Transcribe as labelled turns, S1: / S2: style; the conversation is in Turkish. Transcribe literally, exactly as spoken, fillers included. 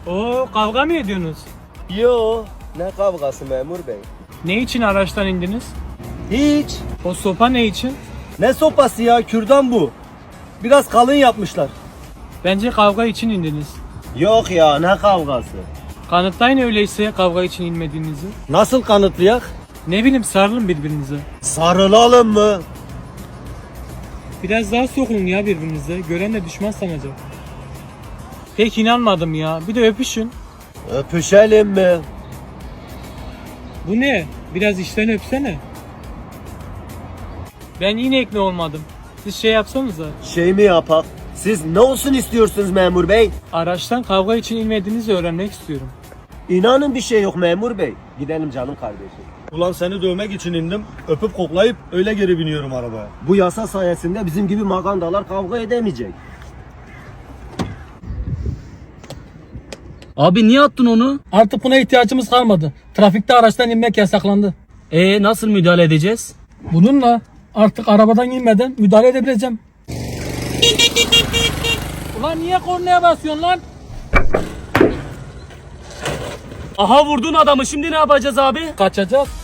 S1: Oo, kavga mı ediyorsunuz?
S2: Yo, ne kavgası memur bey?
S1: Ne için araçtan indiniz?
S2: Hiç.
S1: O sopa ne için?
S2: Ne sopası ya, kürdan bu. Biraz kalın yapmışlar.
S1: Bence kavga için indiniz.
S2: Yok ya, ne kavgası?
S1: Kanıtlayın öyleyse kavga için inmediğinizi.
S2: Nasıl kanıtlayak?
S1: Ne bileyim, sarılın birbirinize.
S2: Sarılalım mı?
S1: Biraz daha sokulun ya birbirinize. Gören de düşman sanacak. Pek inanmadım ya. Bir de öpüşün.
S2: Öpüşelim mi?
S1: Bu ne? Biraz içten öpsene. Ben yine ikna olmadım. Siz şey yapsanıza.
S2: Şey mi yapak? Siz ne olsun istiyorsunuz memur bey?
S1: Araçtan kavga için inmediğinizi öğrenmek istiyorum.
S2: İnanın bir şey yok memur bey. Gidelim canım kardeşim.
S3: Ulan seni dövmek için indim. Öpüp koklayıp öyle geri biniyorum arabaya.
S2: Bu yasa sayesinde bizim gibi magandalar kavga edemeyecek.
S4: Abi niye attın onu?
S1: Artık buna ihtiyacımız kalmadı. Trafikte araçtan inmek yasaklandı.
S4: E nasıl müdahale edeceğiz?
S1: Bununla artık arabadan inmeden müdahale edebileceğim. Ulan niye kornaya basıyorsun lan?
S4: Aha vurdun adamı, şimdi ne yapacağız abi?
S1: Kaçacağız.